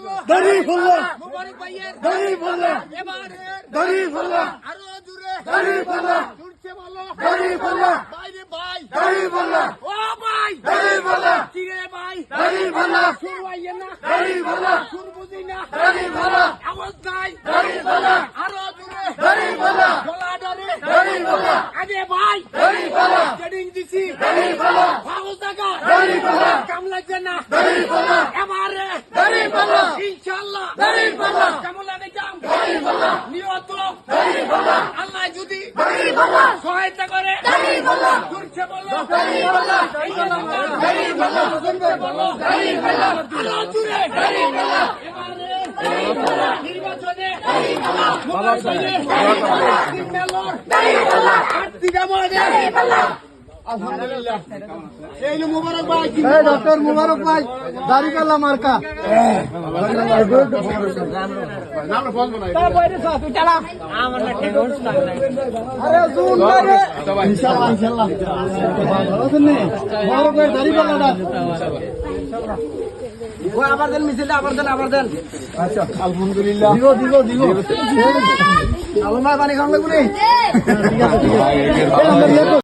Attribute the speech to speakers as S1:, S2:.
S1: দাড়ি ফেললো
S2: মুবারক ভাইয়ের
S1: দাড়ি ফেললো
S2: এবারের
S1: দাড়ি ফেললো
S2: আরো জোরে
S1: দাড়ি ফেললো
S2: জুড়ছে বলো
S1: দাড়ি ফেললো
S2: বাইরে ভাই
S1: দাড়ি ফেললো
S2: ও ভাই
S1: দাড়ি ফেললো
S2: কি রে ভাই
S1: দাড়ি ফেললো
S2: শুরু আইয়ে না
S1: দাড়ি ফেললো
S2: শুরু বুঝি না
S1: দাড়ি ফেললো
S2: আওয়াজ নাই
S1: দাড়ি ফেললো
S2: আরো জোরে
S1: দাড়ি ফেললো
S2: গলা ধরে
S1: দাড়ি ফেললো
S2: আগে ভাই
S1: দাড়ি ফেললো
S2: ট্রেনিং দিছি
S1: দাড়ি ফেললো
S2: ভালো জায়গা
S1: দাড়ি ফেললো
S2: কাম লাগছে না
S1: দাড়ি ফেললো
S2: এবারে
S1: দাড়ি ফেললো
S2: ইনশাআল্লাহ
S1: দাড়ি ফেললো
S2: কেমন লাগে কাম
S1: দাড়ি ফেললো
S2: নিয়ত
S1: দাড়ি ফেললো
S2: আল্লাহ যদি
S1: দাড়ি ফেললো
S2: সহায়তা করে
S1: দাড়ি ফেললো
S2: জুড়ছে বলো
S1: দাড়ি ফেললো দাড়ি ফেললো
S2: বলো
S1: দাড়ি ফেললো
S2: আরো জোরে
S1: দাড়ি ফেললো
S2: এবারে নির্বাচনে মোবারক ভাইয়ের মেলর
S1: দাড়ি ফেললো
S2: আর্থিক আমাদের আলহামদুলিল্লাহ এই যে মোবারক ভাই
S1: ডক্টর মুবারক ভাই দাড়ি পাল্লা মার্কা আরে জুন ভাই ইনশাআল্লাহ ইনশাআল্লাহ ভালো আছেন নি মুবারক ভাই দাড়ি পাল্লাটা
S2: ওই আবার দেন মিছিলে আবার দেন
S1: আচ্ছা আলহামদুলিল্লাহ দিব আলমার পানি খাওয়া লাগবে ঠিক আছে